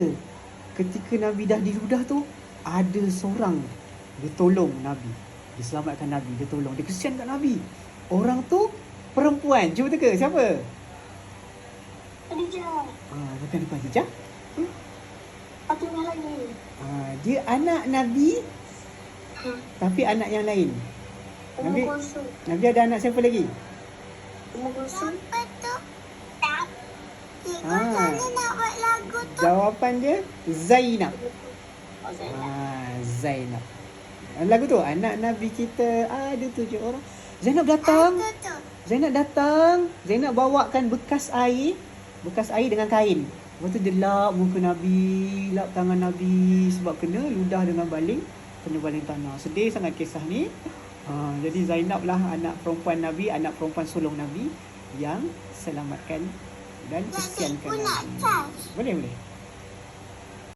ketika Nabi dah diludah tu, ada seorang dia tolong Nabi. Dia selamatkan Nabi, dia tolong. Dia kesian kat Nabi. Orang tu perempuan. Cuba teka, siapa? Khadijah. Bukan Khadijah. Fatimah lagi. Dia anak Nabi, tapi anak yang lain. Nabi, Kulsum. Nabi ada anak siapa lagi? Kulsum. Apa tu? Tak. Cikgu Ah. sana nak buat lagu tu. Jawapan dia Zainab. Oh, Zainab. Zainab. Lagu tu anak Nabi kita ada 7 orang. Zainab datang. Itu tu. Zainab datang. Zainab bawakan bekas air dengan kain. Lepas tu dia lap muka Nabi, lap tangan Nabi sebab kena ludah dengan baling tanah. Sedih sangat kisah ni. Jadi Zainab lah anak perempuan Nabi, anak perempuan sulung Nabi yang selamatkan dan kesiankan Aku nak Nabi. charge. Boleh.